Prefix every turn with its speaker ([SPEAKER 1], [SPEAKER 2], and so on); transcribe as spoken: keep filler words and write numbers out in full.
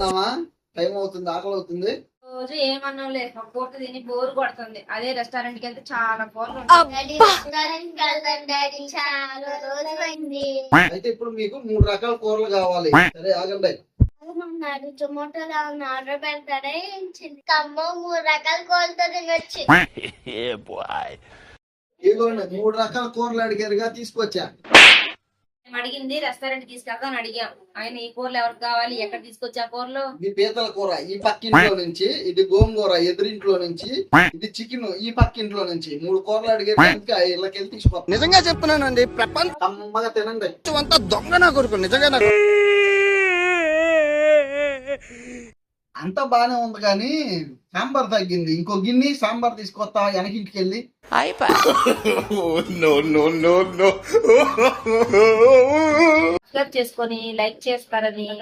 [SPEAKER 1] తిందామా? టైం అవుతుంది, ఆకలి అవుతుంది.
[SPEAKER 2] రోజు ఏమన్నా లేదు, ఒక పూట తిని బోర్ కొడుతుంది. అదే రెస్టారెంట్ కి వెళ్తే చాలా కూరలు
[SPEAKER 3] డాడీ రెస్టారెంట్ కి వెళ్తాం డాడీ, చాలా రోజులైంది.
[SPEAKER 1] అయితే ఇప్పుడు మీకు మూడు రకాల కూరలు కావాలి. సరే ఆగండి.
[SPEAKER 3] అన్నారు జొమాటోలో ఆర్డర్ పెడతారే, కమ్మ మూడు రకాల కూరలతో తినొచ్చు.
[SPEAKER 1] ఇదిగోండి మూడు రకాల కూరలు అడిగారుగా, తీసుకొచ్చా.
[SPEAKER 2] మేము అడిగింది రెస్టారెంట్ తీసుకెళ్తాను అడిగాం. ఆయన ఈ కూరలు ఎవరికి కావాలి, ఎక్కడ తీసుకొచ్చా కూరలు?
[SPEAKER 1] ఇది పీతల కూర ఈ పక్కింట్లో నుంచి, ఇది గోంగూర ఎదురింట్లో నుంచి, ఇది చికెన్ ఈ పక్కింట్లో నుంచి. మూడు కూరలు అడిగారు, ఇంకా ఇళ్ళకెళ్ళి తీసుకొస్తాం.
[SPEAKER 4] నిజంగా చెప్తున్నానండి, ప్రపంచం
[SPEAKER 1] కమ్మగా తినండి.
[SPEAKER 4] అంతా దొంగ నా కొడుకు. నిజంగా నాకు
[SPEAKER 1] అంత బానే ఉంది కానీ సాంబార్ తగ్గింది. ఇంకో గిన్నె సాంబార్ తీసుకొస్తా వెనకింటికి వెళ్ళి.
[SPEAKER 2] సబ్స్క్రైబ్ చేసుకొని లైక్ చేస్తారని